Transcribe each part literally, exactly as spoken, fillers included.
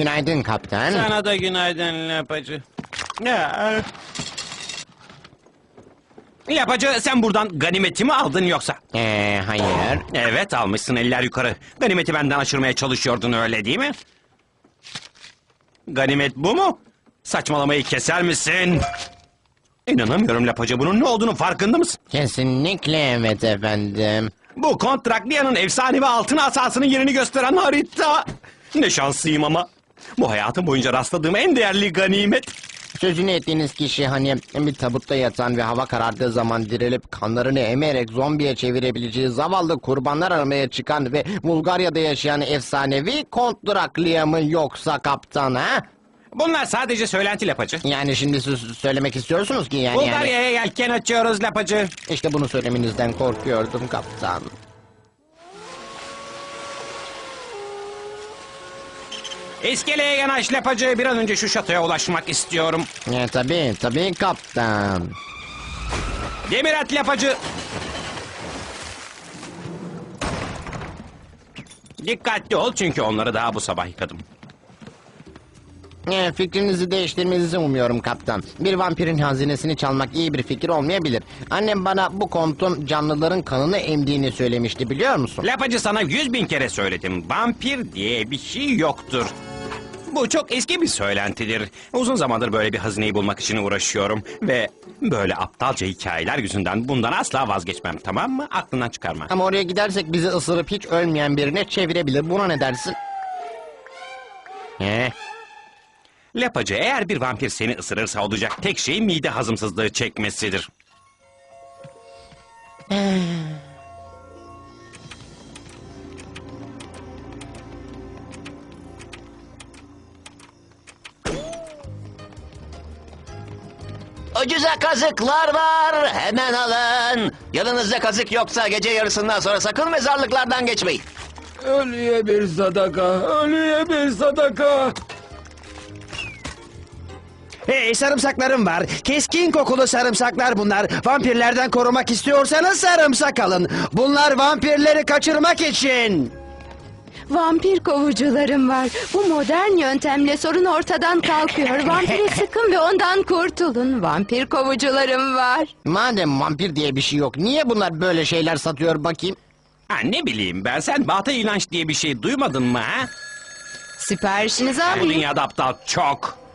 Günaydın kaptan. Sana da günaydın Lapacı. Ya. Lapacı, sen buradan ganimeti mi aldın yoksa? Ee, hayır. Evet, almışsın, eller yukarı. Ganimeti benden aşırmaya çalışıyordun, öyle değil mi? Ganimet bu mu? Saçmalamayı keser misin? İnanamıyorum Lapacı, bunun ne olduğunu farkında mısın? Kesinlikle evet efendim. Bu Kontraklia'nın efsanevi altın asasının yerini gösteren harita. Ne şanslıyım ama. Bu hayatım boyunca rastladığım en değerli ganimet. Sözünü ettiğiniz kişi hani bir tabutta yatan ve hava karardığı zaman dirilip kanlarını emerek zombiye çevirebileceği zavallı kurbanlar aramaya çıkan ve Bulgarya'da yaşayan efsanevi Kont Draklia mı yoksa kaptan ha? Bunlar sadece söylenti Lapacı. Yani şimdi siz söylemek istiyorsunuz ki yani... yani... Bulgarya'ya yelken açıyoruz Lapacı. İşte bunu söylemenizden korkuyordum kaptan. İskeleye yanaş Lapacı. Bir an önce şu şatoya ulaşmak istiyorum. E, tabii tabii kaptan. Demir at Lapacı. Dikkatli ol çünkü onları daha bu sabah yıkadım. E, fikrinizi değiştirmenizi umuyorum kaptan. Bir vampirin hazinesini çalmak iyi bir fikir olmayabilir. Annem bana bu kontun canlıların kanını emdiğini söylemişti, biliyor musun? Lapacı, sana yüz bin kere söyledim. Vampir diye bir şey yoktur. Bu çok eski bir söylentidir. Uzun zamandır böyle bir hazineyi bulmak için uğraşıyorum. Ve böyle aptalca hikayeler yüzünden bundan asla vazgeçmem, tamam mı? Aklından çıkarma. Ama oraya gidersek bizi ısırıp hiç ölmeyen birine çevirebilir. Buna ne dersin? He? Lapacı, eğer bir vampir seni ısırırsa olacak tek şey mide hazımsızlığı çekmesidir. Ucuza kazıklar var, hemen alın. Yanınızda kazık yoksa gece yarısından sonra sakın mezarlıklardan geçmeyin. Ölüye bir sadaka, ölüye bir sadaka. Hey, sarımsaklarım var. Keskin kokulu sarımsaklar bunlar. Vampirlerden korumak istiyorsanız sarımsak alın. Bunlar vampirleri kaçırmak için. Vampir kovucularım var. Bu modern yöntemle sorun ortadan kalkıyor. Vampiri sıkın ve ondan kurtulun. Vampir kovucularım var. Madem vampir diye bir şey yok, niye bunlar böyle şeyler satıyor bakayım? Ha, ne bileyim ben, sen Batı inanç diye bir şey duymadın mı ha? Siparişinizi Bu alayım. dünyada aptal çok.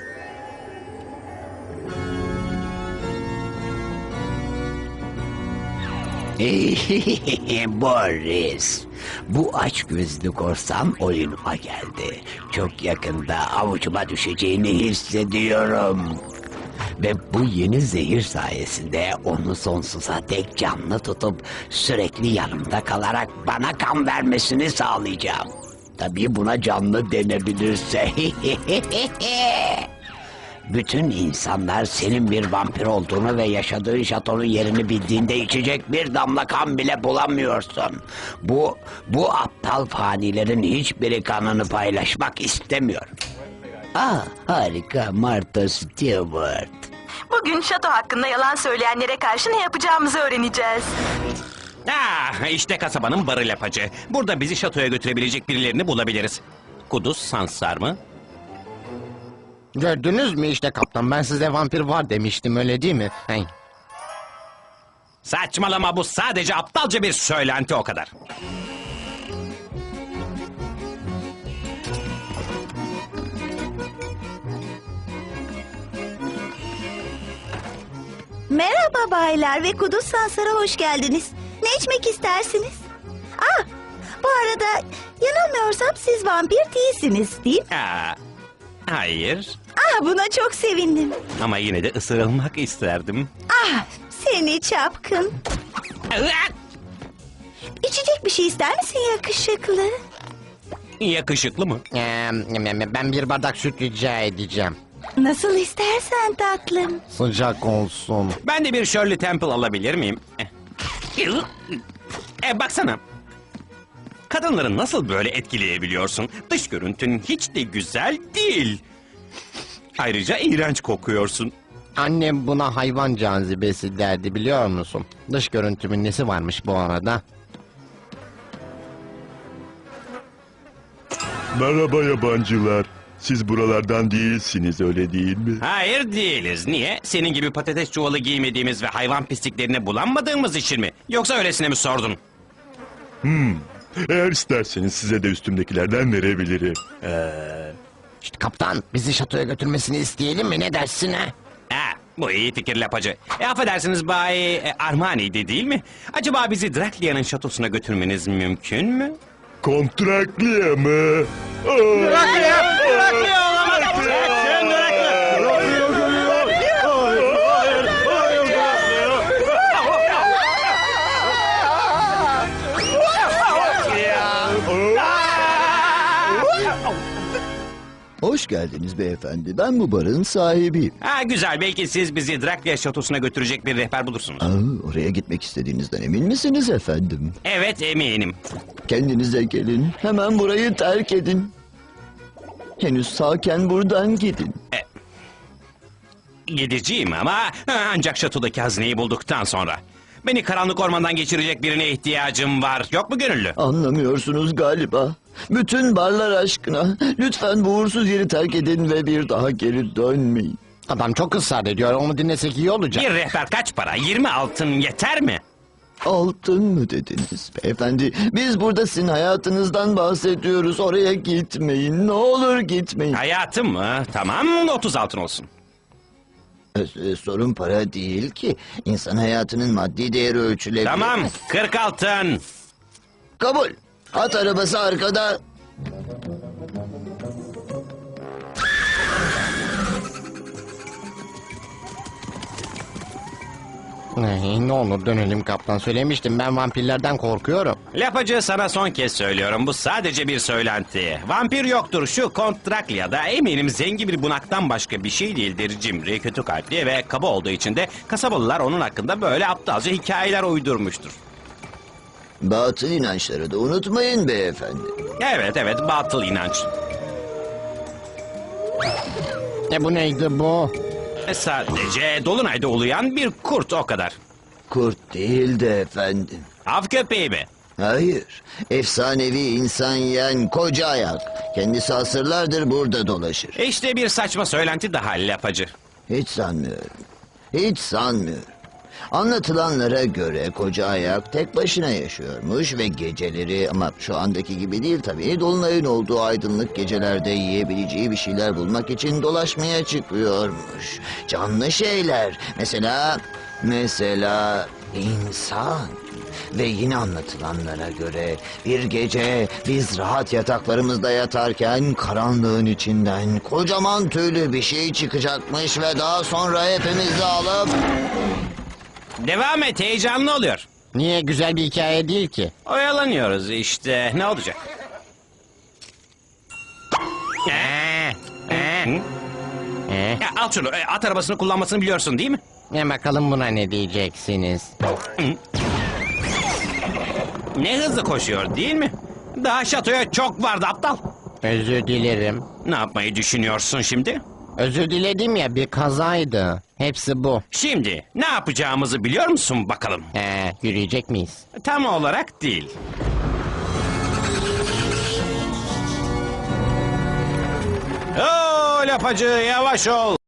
Boris, bu açgözlü korsan oyunuma geldi. Çok yakında avucuma düşeceğini hissediyorum. Ve bu yeni zehir sayesinde onu sonsuza dek canlı tutup sürekli yanımda kalarak bana kan vermesini sağlayacağım. Tabii buna canlı denebilirse. Bütün insanlar senin bir vampir olduğunu ve yaşadığın şatonun yerini bildiğinde içecek bir damla kan bile bulamıyorsun. Bu, bu aptal fanilerin hiçbiri kanını paylaşmak istemiyor. Ah, harika, Martha Stewart. Bugün şato hakkında yalan söyleyenlere karşı ne yapacağımızı öğreneceğiz. Ah, işte kasabanın barı Lapacı. Burada bizi şatoya götürebilecek birilerini bulabiliriz. Kuduz Sansar mı? Gördünüz mü işte kaptan, ben size vampir var demiştim, öyle değil mi? Hey. Saçmalama, bu sadece aptalca bir söylenti, o kadar. Merhaba baylar ve Kuduz Sansar'a hoş geldiniz. Ne içmek istersiniz? Ah, bu arada yanılmıyorsam siz vampir değilsiniz, değil mi? Aa, hayır, Ah, buna çok sevindim. ama yine de ısırılmak isterdim. Ah, seni çapkın. İçecek bir şey ister misin yakışıklı? Yakışıklı mı? Ee, ben bir bardak süt rica edeceğim. Nasıl istersen tatlım. Sıcak olsun. Ben de bir Shirley Temple alabilir miyim? E, baksana. Kadınları nasıl böyle etkileyebiliyorsun? Dış görüntün hiç de güzel değil. Ayrıca iğrenç kokuyorsun. Annem buna hayvan cazibesi derdi, biliyor musun? Dış görüntümün nesi varmış bu arada? Merhaba yabancılar. Siz buralardan değilsiniz, öyle değil mi? Hayır değiliz. Niye? Senin gibi patates çuvalı giymediğimiz ve hayvan pisliklerine bulanmadığımız için mi? Yoksa öylesine mi sordun? Eğer isterseniz size de üstümdekilerden verebilirim. İşte kaptan, bizi şatoya götürmesini isteyelim mi, ne dersin ha? Ha, bu iyi fikir lapacı. E, affedersiniz Bay e, Armani'ydi değil mi? Acaba bizi Draklia'nın şatosuna götürmeniz mümkün mü? Kontrakliye mı? Aa! Hoş geldiniz beyefendi. Ben bu barın sahibiyim. Ha, güzel. Belki siz bizi Draklia şatosuna götürecek bir rehber bulursunuz. Aa, oraya gitmek istediğinizden emin misiniz efendim? Evet, eminim. Kendinize gelin. Hemen burayı terk edin. Henüz sağken buradan gidin. Gideceğim ama ha, ancak şatodaki hazineyi bulduktan sonra. Beni karanlık ormandan geçirecek birine ihtiyacım var. Yok mu gönüllü? Anlamıyorsunuz galiba. Bütün barlar aşkına. Lütfen bu uğursuz yeri terk edin ve bir daha geri dönmeyin. Adam çok ısrar ediyor, onu dinlesek iyi olacak. Bir rehber kaç para? yirmi altın yeter mi? Altın mı dediniz beyefendi? Biz burada sizin hayatınızdan bahsediyoruz. Oraya gitmeyin. Ne olur gitmeyin. Hayatım mı? Tamam, otuz altın olsun. Ee, Sorun para değil ki. İnsan hayatının maddi değeri ölçülebilir. Tamam, kırk altın. Kabul. At arabası arkada. Ay, ne olur dönelim kaptan, söylemiştim ben vampirlerden korkuyorum. Lapacı, sana son kez söylüyorum. Bu sadece bir söylenti. Vampir yoktur. Şu Kont Draklia'da eminim zengin bir bunaktan başka bir şey değildir. Cimri, kötü kalpli ve kaba olduğu için de kasabalılar onun hakkında böyle aptalca hikayeler uydurmuştur. Batıl inançları da unutmayın beyefendi. Evet evet, batıl inanç. E bu neydi bu? E, Sadece dolunayda uluyan bir kurt, o kadar. Kurt değil de efendim. Av köpeği mi? Hayır. Efsanevi insan yiyen koca ayak. Kendisi asırlardır burada dolaşır. İşte bir saçma söylenti daha lapacı. Hiç sanmıyorum. Hiç sanmıyorum. Anlatılanlara göre koca ayak tek başına yaşıyormuş ve geceleri, ama şu andaki gibi değil tabii, dolunayın olduğu aydınlık gecelerde yiyebileceği bir şeyler bulmak için dolaşmaya çıkıyormuş. Canlı şeyler, mesela mesela insan. Ve yine anlatılanlara göre bir gece biz rahat yataklarımızda yatarken karanlığın içinden kocaman tüylü bir şey çıkacakmış ve daha sonra hepimizi alıp... Devam et, heyecanlı oluyor. Niye, güzel bir hikaye değil ki? Oyalanıyoruz işte, ne olacak? Ee, Ee, Hı? ee. Ya, al şunu, e, at arabasını kullanmasını biliyorsun değil mi? E bakalım buna ne diyeceksiniz? Ne hızlı koşuyor değil mi? Daha şatoya çok vardı aptal. Özür dilerim. Ne yapmayı düşünüyorsun şimdi? Özür diledim ya, bir kazaydı. Hepsi bu. Şimdi ne yapacağımızı biliyor musun bakalım? Ee, yürüyecek miyiz? Tam olarak değil. Oo lapacı, yavaş ol.